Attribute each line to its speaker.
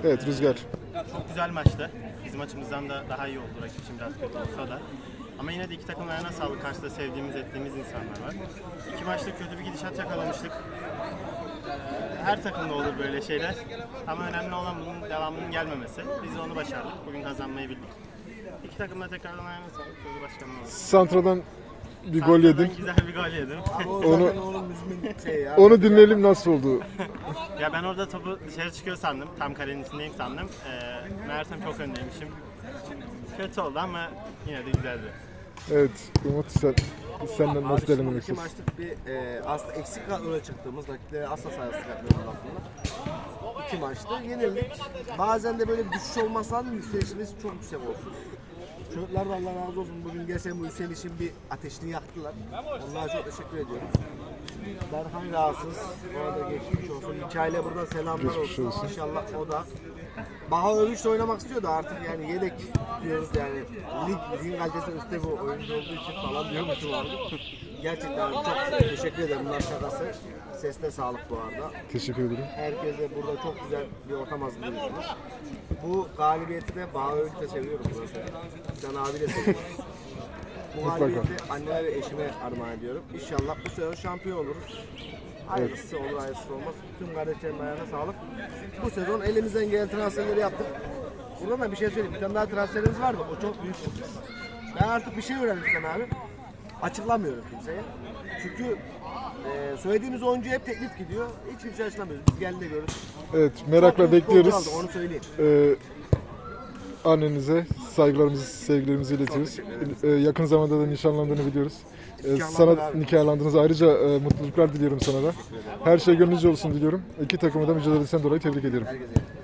Speaker 1: Evet Rüzgar.
Speaker 2: Çok güzel maçtı. Bizim açımızdan da daha iyi oldu. Rakip için biraz kötü olsa da. Ama yine de iki takım ayağına sağlık. Karşıda sevdiğimiz, ettiğimiz insanlar var. İki maçta kötü bir gidişat yakalamıştık. Her takımda olur böyle şeyler. Ama önemli olan bunun devamının gelmemesi. Biz de onu başardık. Bugün kazanmayı bildik. İki takım da tekrardan ayağına sağlık. Sözü başkanına oldu.
Speaker 1: Santra'dan bir gol yedin.
Speaker 2: Güzel bir gol yedim.
Speaker 1: Onu dinleyelim, nasıl oldu?
Speaker 2: Ya ben orada topu dışarı çıkıyor sandım. Tam kalenin içindeyim sandım. Meğersem çok öndeymişim. Kötü oldu ama yine de güzeldi.
Speaker 1: Evet Umut, senden nasıl değerlendirmek
Speaker 3: İki
Speaker 1: istiyorsun?
Speaker 3: maçlık bir aslında eksik kadroya çıktığımız rakiplere asla sayısı katmıyoruz aslında. İki maçta yenildik. Bazen de böyle bir düşüş olmazsa yükselişimiz çok yüksek olsun. Çocuklar da Allah razı olsun, bugün gerçekten bu yükselişin bir ateşini yaktılar. Onlara çok teşekkür ediyorum. Berhan rahatsız. Bu arada geçmiş olsun. Mikail'e buradan selamlar
Speaker 1: Geçmiş olsun.
Speaker 3: İnşallah o da. Baha Övünç de oynamak istiyor da artık yani yedek diyoruz yani. Ligin kalitesi üstte bu oyuncu olduğu için falan diyormuşum abi. Gerçekten çok teşekkür ederim. Bunlar şakası. Sesle sağlık bu arada.
Speaker 1: Teşekkür ederim.
Speaker 3: Herkese burada çok güzel bir ortam hazırlıyorsunuz. Bu galibiyeti de Baha Övünç'e seviyorum burası. Can abi de seviyorum. Bu galibiyeti anneme ve eşime armağan ediyorum. İnşallah bu sezon şampiyon oluruz. Hayırlısı olur, hayırlısı olmaz. Tüm kardeşlerim ayağına sağlık. Bu sezon elimizden gelen transferleri yaptık. Buradan da bir şey söyleyeyim. Bir tane daha transferimiz vardı. O çok büyük sürpriz. Ben artık bir şey öğrendim sana abi. Açıklamıyorum kimseye. Çünkü söylediğimiz oyuncu hep teklif gidiyor. Hiç kimseye açıklamıyoruz. Biz geldi de görürüz.
Speaker 1: Evet, merakla
Speaker 3: Çok büyük
Speaker 1: bekliyoruz.
Speaker 3: futbolcu aldı, onu söyleyeyim.
Speaker 1: Annenize saygılarımızı, sevgilerimizi iletiyoruz. Yakın zamanda da nişanlandığını biliyoruz. Sana
Speaker 3: abi.
Speaker 1: nikahlandınız. Ayrıca mutluluklar diliyorum sana da. Her şey gönlünüzce olsun diliyorum. İki takımı da mücadelesinden dolayı tebrik ediyorum.
Speaker 3: Herkese.